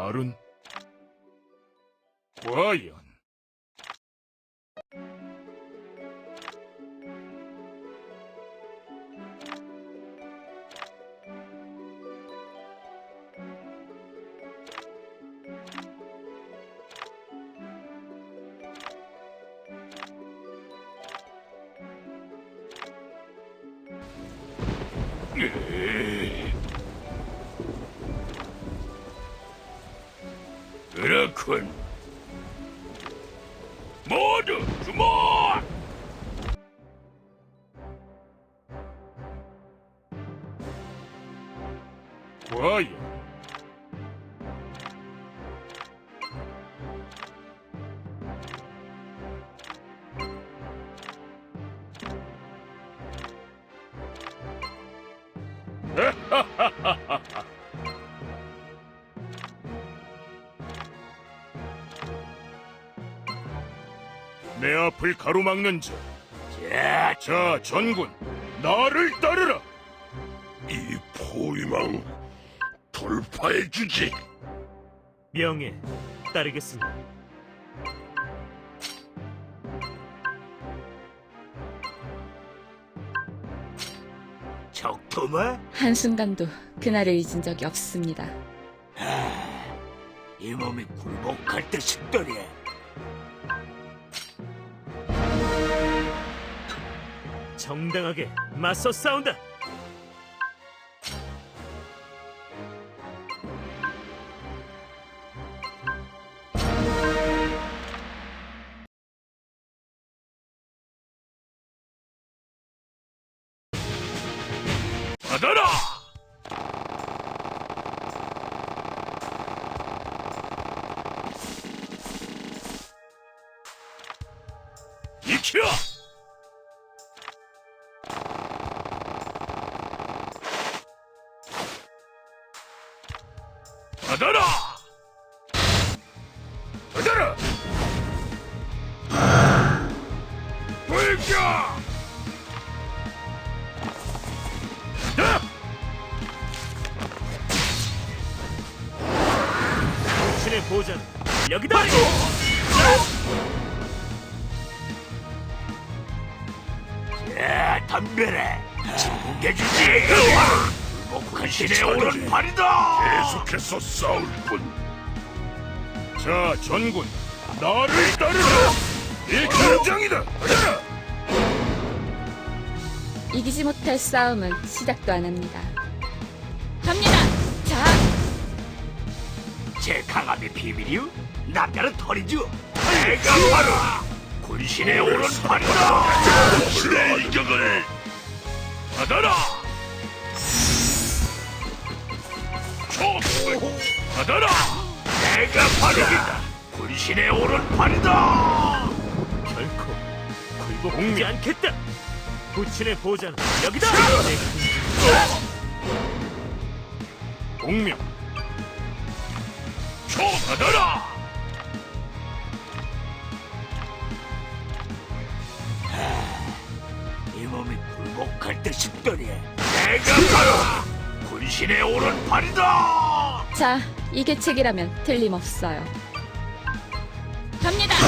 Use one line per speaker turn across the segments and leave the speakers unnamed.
말은 과연 그렇군. 모두 주목! 과연 내 앞을 가로막는 자, 자 전군, 나를 따르라.
이 포위망 돌파해주지.
명예 따르겠습니다.
적토마?
한순간도 그날을 잊은 적이 없습니다.
이 몸이 굴복할 듯 싶더니
정당하게 맞서 싸운다.
받아라. 익혀. 받아라! 받아라! 불켜!
신의 보전 여기다.
야, 덤벼라. 징계주지. 굴복한 신의 오른팔이다.
계속해서 싸울 뿐.
자, 전군, 나를 따르라! 이 경장이다! 받아라!
이기지 못할 싸움은 시작도 안 합니다. 갑니다! 자,
제 강함의 비밀이요? 남자는 털이죠. 내가 바로 군신의 오른팔이다.
신의 일격을
받아라! 받아라!
내가 바로이다. 군신의 오른팔이다.
결코 굴복하지 않겠다. 부친의 보전 여기다.
공명! 받아라!
이 몸이 굴복할 듯 싶더니 내가 바로 군신의 오른팔이다.
자, 이게 책이라면 틀림없어요. 갑니다!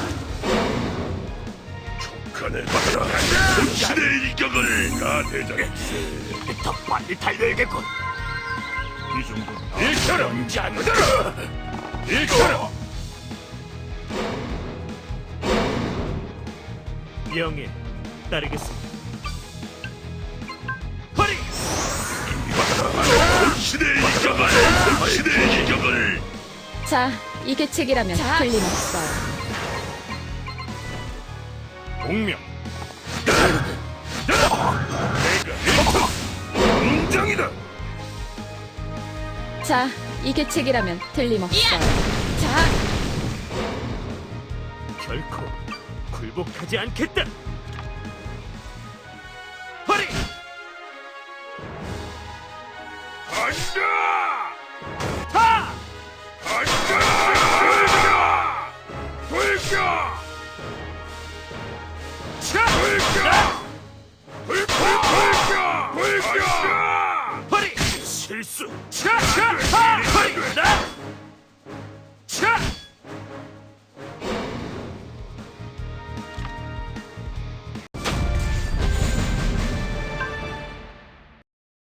족간에 받아라. 신의 일격을 가 대장.
더 빨리 달려야겠군.
이 정도 익혀라! 받아라! 익혀라!
명예 따르겠습니다. 허리.
신의 일격을 신의 일격을
자, 이게 책이라면 틀림없어요.
공명! 내가 경장이다!
자, 이게 책이라면 틀림없어요. 자,
결코 굴복하지 않겠다. 허리.
간다!